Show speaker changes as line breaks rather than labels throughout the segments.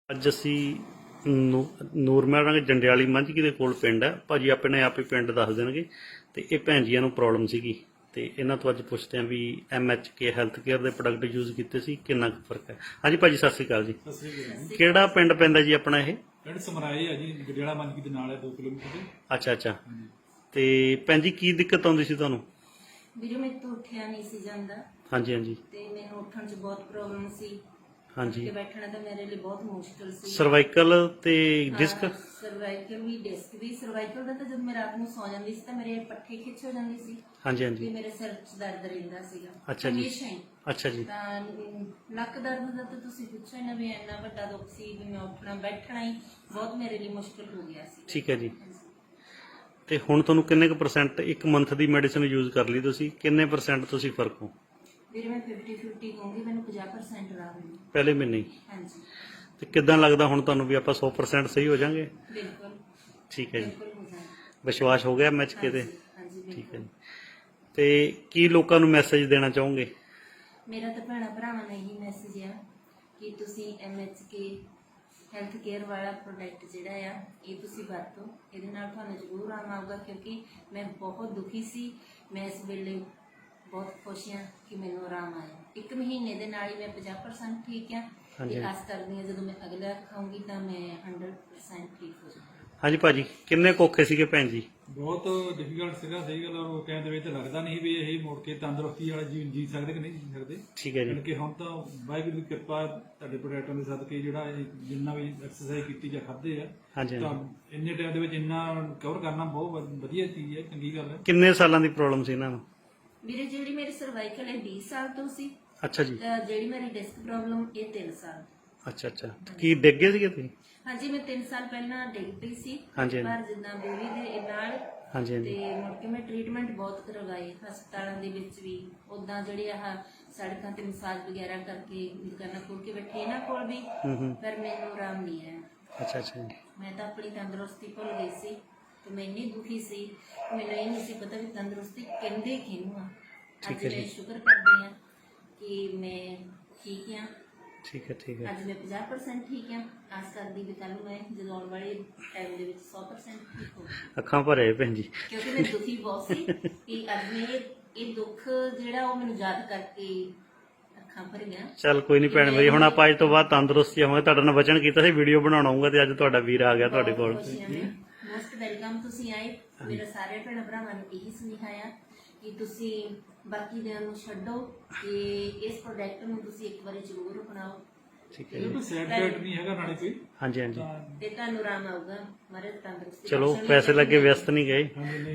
ਅੱਜ ਅਸੀਂ ਨੂਰਮਹਿਲ ਜੰਡਿਆਲੀ ਮੰਝਕੀ ਦੇ ਕੋਲ ਪਿੰਡ ਹੈ। ਭਾਜੀ ਆਪਣੇ ਆਪ ਹੀ ਪਿੰਡ ਦੱਸ ਦੇਣਗੇ। ਤੇ ਇਹ ਭੈਣ ਜੀਆਂ ਨੂੰ ਪ੍ਰੋਬਲਮ ਸੀਗੀ ਤੇ ਇਹਨਾਂ ਤੋਂ ਅੱਜ ਪੁੱਛਦੇ ਆਂ ਵੀ MHK ਹੈਲਥ ਕੇਅਰ ਦੇ ਪ੍ਰੋਡਕਟ ਯੂਜ਼ ਕੀਤੇ ਸੀ ਕਿੰਨਾ ਕੁ ਫਰਕ ਹੈ। ਹਾਂਜੀ ਭਾਜੀ ਸਤਿ ਸ਼੍ਰੀ ਅਕਾਲ ਜੀ।
ਸਤਿ ਸ੍ਰੀ ਅਕਾਲ।
ਕਿਹੜਾ ਪਿੰਡ ਪੈਂਦਾ ਜੀ ਆਪਣਾ ਇਹ?
ਪਿੰਡ ਸਮਰਾਏ ਹੈ ਜੀ, ਜੰਡਿਆਲਾ ਮੰਝਕੀ ਦੇ ਨਾਲ ਹੈ 2 ਕਿਲੋਮੀਟਰ ਤੇ।
ਅੱਛਾ ਤੇ ਭੈਣ ਜੀ ਕੀ ਦਿੱਕਤ ਆਉਂਦੀ ਸੀ ਤੁਹਾਨੂੰ?
ਵੀਰੇ ਮੇਰੇ ਤੋਂ ਉੱਠਿਆ ਨਹੀਂ ਸੀ ਜਾਂਦਾ।
ਹਾਂਜੀ
ਤੇ ਮੈਨੂੰ ਉੱਠਣ 'ਚ ਬਹੁਤ ਪ੍ਰੋਬਲਮ ਸੀ।
ਹਾਂਜੀ
ਤੇ ਬੈਠਣਾ ਤਾਂ ਮੇਰੇ ਲਈ ਬਹੁਤ ਮੁਸ਼ਕਲ ਸੀ।
ਸਰਵਾਈਕਲ ਤੇ ਡਿਸਕ?
ਸਰਵਾਈਕਲ ਵੀ, ਡਿਸਕ ਵੀ। ਸਰਵਾਈਕਲ ਦਾ ਤਾਂ ਜਦ ਮੈਂ ਰਾਤ ਨੂੰ ਸੌ ਜਾਂਦੀ ਸੀ ਤਾਂ ਮੇਰੇ ਪੱਠੇ ਖਿੱਚ ਹੋ ਜਾਂਦੀ ਸੀ ਤੇ ਮੇਰੇ ਸਿਰ 'ਚ ਦਰਦ ਰਹਿੰਦਾ ਸੀਗਾ
ਅੱਛਾ ਜੀ।
ਹਮੇਸ਼ਾ ਹੀ।
ਅੱਛਾ ਜੀ।
ਤਾਂ ਲੱਕ ਦਰਦ ਦਾ ਤਾਂ ਤੁਸੀਂ ਪੁੱਛੋ ਹੀ ਨਾ, ਵੀ ਇੰਨਾ ਵੱਡਾ ਦੁੱਖ ਸੀ ਵੀ ਮੈਂ ਉੱਠਣਾ ਬੈਠਣਾ ਹੀ ਬਹੁਤ ਮੇਰੇ ਲਈ ਮੁਸ਼ਕਲ ਹੋ ਗਿਆ ਸੀ।
ਠੀਕ ਹੈ ਜੀ। ਤੇ ਹੁਣ ਤੁਹਾਨੂੰ ਕਿੰਨੇ ਕੁ ਪਰਸੈਂਟ ਇੱਕ ਮੰਥ ਦੀ ਮੈਡੀਸਿਨ ਯੂਜ਼ ਕਰ ਲਈ ਤੁਸੀਂ, ਕਿੰਨੇ ਪਰਸੈਂਟ ਤੁਸੀਂ ਫਰਕ ਹੋ?
ਵੀਰੇ ਮੈਂ 50-50 ਕਹੂੰਗੀ, ਮੈਨੂੰ 50% ਆਰਾਮ ਹੈ
ਪਹਿਲੇ ਮਹੀਨੇ ਹੀ?
ਹਾਂਜੀ।
ਤੇ ਕਿੱਦਾਂ ਲੱਗਦਾ ਹੁਣ ਤੁਹਾਨੂੰ ਵੀ ਆਪਾਂ 100% ਸਹੀ ਹੋ ਜਾਾਂਗੇ?
ਬਿਲਕੁਲ
ਠੀਕ ਹੈ ਜੀ।
ਬਿਲਕੁਲ ਹੋ ਜਾਣਾ।
ਵਿਸ਼ਵਾਸ ਹੋ ਗਿਆ MHK ਤੇ?
ਹਾਂਜੀ
ਠੀਕ ਹੈ
ਬਿਲਕੁਲ।
ਜੀ। ਤੇ ਕੀ ਲੋਕਾਂ ਨੂੰ ਮੈਸੇਜ ਦੇਣਾ ਚਾਹੋਗੇ?
ਮੇਰਾ ਤਾਂ ਭੈਣਾਂ ਭਰਾਵਾਂ ਨੂੰ ਇਹੀ ਮੈਸੇਜ ਆ ਕਿ ਤੁਸੀਂ MHK ਹੈਲਥ ਕੇਅਰ ਵਾਲਾ ਪ੍ਰੋਡਕਟ ਜਿਹੜਾ ਆ ਇਹ ਤੁਸੀਂ ਵਰਤੋ। ਇਹਦੇ ਨਾਲ ਤੁਹਾਨੂੰ ਜ਼ਰੂਰ ਆਰਾਮ ਆਊਗਾ, ਕਿਉਂਕਿ ਮੈਂ ਬਹੁਤ ਦੁਖੀ ਸੀ। ਮੈਂ ਇਸ ਵੇਲੇ ਬਹੁਤ ਖੁਸ਼ ਹਾਂ ਕਿ ਮੈਨੂੰ ਆਰਾਮ ਆਇਆ। 1 ਮਹੀਨੇ ਦੇ ਨਾਲ ਹੀ ਮੈਂ 50% ਠੀਕ ਹਾਂ ਤੇ ਆਸ ਕਰਦੀ ਹਾਂ ਜਦੋਂ ਮੈਂ ਅਗਲਾ ਖਾਊਂਗੀ ਤਾਂ ਮੈਂ 100% ਠੀਕ ਹੋ ਜਾਵਾਂਗੀ। ਹਾਂਜੀ
ਭਾਜੀ ਕਿੰਨੇ ਔਖੇ ਸੀਗੇ ਭੈਣ ਜੀ?
ਬਹੁਤ ਡਿਫਿਕਲਟ ਸੀਗਾ, ਸਹੀ ਗੱਲ। ਉਹ ਟਾਈਮ ਦੇ ਵਿੱਚ ਲੱਗਦਾ ਨਹੀਂ ਵੀ ਇਹ ਮੁੜ ਕੇ ਤੰਦਰੁਸਤੀ ਵਾਲਾ ਜੀਵਨ ਜੀ ਸਕਦੇ ਕਿ ਨਹੀਂ ਜੀ ਸਕਦੇ।
ਠੀਕ ਹੈ ਜੀ।
ਕਿ ਹੁਣ ਤਾਂ ਵਾਹਿਗੁਰੂ ਦੀ ਕਿਰਪਾ ਤੁਹਾਡੇ ਪ੍ਰੋਡਕਟਾਂ ਦੇ ਸਦਕੇ ਜਿਹੜਾ ਜਿੰਨਾ ਵੀ ਐਕਸਰਸਾਈਜ਼ ਕੀਤੀ ਜਾਂ ਖਾਦੇ ਆ ਤਾਂ ਇੰਨੇ ਟਾਈਮ ਦੇ ਵਿੱਚ ਇੰਨਾ ਕਵਰ ਕਰਨਾ ਬਹੁਤ ਵਧੀਆ ਚੀਜ਼ ਹੈ, ਚੰਗੀ ਗੱਲ ਹੈ।
ਕਿੰਨੇ ਸਾਲਾਂ ਦੀ ਪ੍ਰੋਬਲਮ ਸੀ ਇਹਨਾਂ ਨੂੰ?
ਵੀਰੇ ਜਿਹੜੀ ਮੇਰੀ ਸਰਵਾਈਕਲ ਹੈ 20 ਸਾਲ ਤੋਂ ਸੀ।
ਅੱਛਾ ਜੀ।
ਜਿਹੜੀ ਮੇਰੀ ਡਿਸਕ ਪ੍ਰੋਬਲਮ ਇਹ 3 ਸਾਲ।
ਅੱਛਾ ਕੀ ਡਿੱਗ ਗਏ ਸੀਗੇ ਤੁਸੀਂ?
ਹਾਂਜੀ ਮੈਂ 3 ਸਾਲ ਪਹਿਲਾਂ ਡਿੱਗ ਪਈ ਸੀ ਪਰ ਜਿੱਦਾਂ ਬੋਰੀ ਦੇ ਨਾਲ। ਤੇ ਮੁੜ ਕੇ ਮੈਂ ਟ੍ਰੀਟਮੈਂਟ ਬਹੁਤ ਕਰਵਾਏ ਹਸਪਤਾਲਾਂ ਦੇ ਵਿੱਚ ਵੀ, ਉਦਾਂ ਜਿਹੜੇ ਆਹ ਸੜਕਾਂ ਤੇ ਮਸਾਜ ਵਗੈਰਾ ਕਰਕੇ ਦੁਕਾਨਾਂ ਖੋਲ ਕੇ ਬੈਠੇ ਇਹਨਾਂ ਕੋਲ ਵੀ, ਪਰ ਮੈਨੂੰ ਆਰਾਮ ਨਹੀਂ ਆਇਆ। ਅੱਛਾ ਮੈਂ ਤਾਂ ਆਪਣੀ ਤੰਦਰੁਸਤੀ ਭੁੱਲ ਗਈ ਸੀ ਤੇ ਮੈਂ ਇੰਨੀ ਦੁਖੀ ਸੀ, ਮੈਨੂੰ ਇਹ ਨਹੀਂ ਸੀ ਪਤਾ ਵੀ ਤੰਦਰੁਸਤੀ ਕਹਿੰਦੇ ਕਿਹਨੂੰ ਆ। ਅੱਜ ਮੈਂ ਸ਼ੁਕਰ ਕਰਦੀ ਹਾਂ ਕਿ ਮੈਂ ਠੀਕ ਹਾਂ। ਠੀਕ ਹੈ ਅੱਜ ਮੈਂ 50% ਠੀਕ ਹਾਂ। ਆਸ ਕਰਦੀ ਵੀ ਕੱਲ ਨੂੰ ਮੈਂ ਜਦੋਂ ਆਉਣ ਵਾਲੇ ਟਾਈਮ ਦੇ ਵਿੱਚ 100% ਠੀਕ ਹੋ।
ਅੱਖਾਂ ਭਰੇ ਭੈਣ ਜੀ,
ਕਿਉਂਕਿ ਮੈਂ ਦੁਖੀ ਬਹੁਤ ਸੀ ਕਿ ਅੱਜ ਮੈਂ ਇਹ ਦੁੱਖ ਜਿਹੜਾ ਉਹ ਮੈਨੂੰ ਯਾਦ ਕਰਕੇ ਅੱਖਾਂ ਭਰ ਗਿਆ। ਚੱਲ
ਕੋਈ ਨਹੀਂ ਭੈਣ ਮੇਰੀ, ਹੁਣ ਆਪਾਂ ਅੱਜ ਤੋਂ ਬਾਅਦ ਤੰਦਰੁਸਤੀ ਹੋਵਾਂਗੇ। ਤੁਹਾਡਾ ਨਾਲ ਵਚਨ ਕੀਤਾ ਸੀ ਵੀਡੀਓ ਬਣਾਉਣਾ ਆਊਗਾ ਤੇ ਅੱਜ ਤੁਹਾਡਾ ਵੀਰ ਆ ਗਿਆ ਤੁਹਾਡੇ ਕੋਲ।
ਮੋਸਟ ਵੈਲਕਮ ਤੁਸੀਂ ਆਏ। ਮੇਰਾ ਸਾਰੇ ਭੈਣ ਭਰਾਵਾਂ ਨੂੰ ਇਹੀ ਸੁਨੇਹਾ ਆ ਕਿ ਤੁਸੀਂ ਬਾਕੀ ਦਿਨਾਂ ਨੂੰ ਛੱਡੋ ਤੇ ਇਸ ਪ੍ਰੋਡਕਟ ਨੂੰ ਤੁਸੀਂ ਇੱਕ ਵਾਰੀ ਜ਼ਰੂਰ ਅਪਣਾਓ।
ਠੀਕ ਹੈ। ਕੋਈ ਸਾਈਡ ਇਫੈਕਟ ਨਹੀਂ ਹੈਗਾ ਨਾਲੇ ਕੋਈ।
ਹਾਂਜੀ
ਤੇ ਤੁਹਾਨੂੰ ਆਰਾਮ ਆਊਗਾ। ਮਾਰੇ ਤੰਦਰੁਸਤੀ।
ਚਲੋ ਪੈਸੇ ਲੱਗੇ ਵਿਅਸਤ ਨਹੀਂ ਗਏ।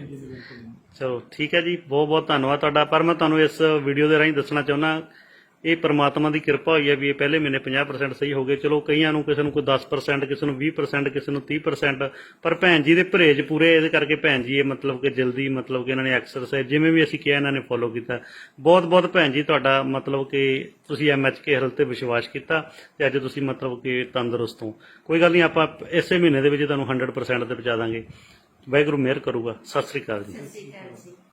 ਚਲੋ ਠੀਕ ਹੈ ਜੀ, ਬਹੁਤ ਬਹੁਤ ਧੰਨਵਾਦ ਤੁਹਾਡਾ। ਪਰ ਮੈਂ ਤੁਹਾਨੂੰ ਇਸ ਵੀਡੀਓ ਦੇ ਰਾਹੀਂ ਦੱਸਣਾ ਚਾਹੁੰਦਾ ਇਹ ਪ੍ਰਮਾਤਮਾ ਦੀ ਕਿਰਪਾ ਹੋਈ ਹੈ ਵੀ ਇਹ ਪਹਿਲੇ ਮਹੀਨੇ 50% ਸਹੀ ਹੋ ਗਏ। ਚਲੋ ਕਈਆਂ ਨੂੰ, ਕਿਸੇ ਨੂੰ ਕੋਈ 10%, ਕਿਸੇ ਨੂੰ 20%, ਕਿਸੇ ਨੂੰ 30%, ਪਰ ਭੈਣ ਜੀ ਦੇ ਪਰਹੇਜ ਪੂਰੇ, ਇਹਦੇ ਕਰਕੇ ਭੈਣ ਜੀ ਇਹ ਮਤਲਬ ਕਿ ਜਲਦੀ ਮਤਲਬ ਕਿ ਇਹਨਾਂ ਨੇ ਐਕਸਰਸਾਈਜ਼ ਜਿਵੇਂ ਵੀ ਅਸੀਂ ਕਿਹਾ ਇਹਨਾਂ ਨੇ ਫੋਲੋ ਕੀਤਾ। ਬਹੁਤ ਬਹੁਤ ਭੈਣ ਜੀ ਤੁਹਾਡਾ ਮਤਲਬ ਕਿ ਤੁਸੀਂ MHK ਹੈਲਥ ਤੇ ਵਿਸ਼ਵਾਸ ਕੀਤਾ ਤੇ ਅੱਜ ਤੁਸੀਂ ਮਤਲਬ ਕਿ ਤੰਦਰੁਸਤ ਹੋ। ਕੋਈ ਗੱਲ ਨਹੀਂ, ਆਪਾਂ ਇਸੇ ਮਹੀਨੇ ਦੇ ਵਿੱਚ ਤੁਹਾਨੂੰ 100% ਤੇ ਪਹੁੰਚਾ ਦਾਂਗੇ। ਵਾਹਿਗੁਰੂ ਮਿਹਰ ਕਰੂਗਾ। ਸਤਿ ਸ੍ਰੀ ਅਕਾਲ ਜੀ।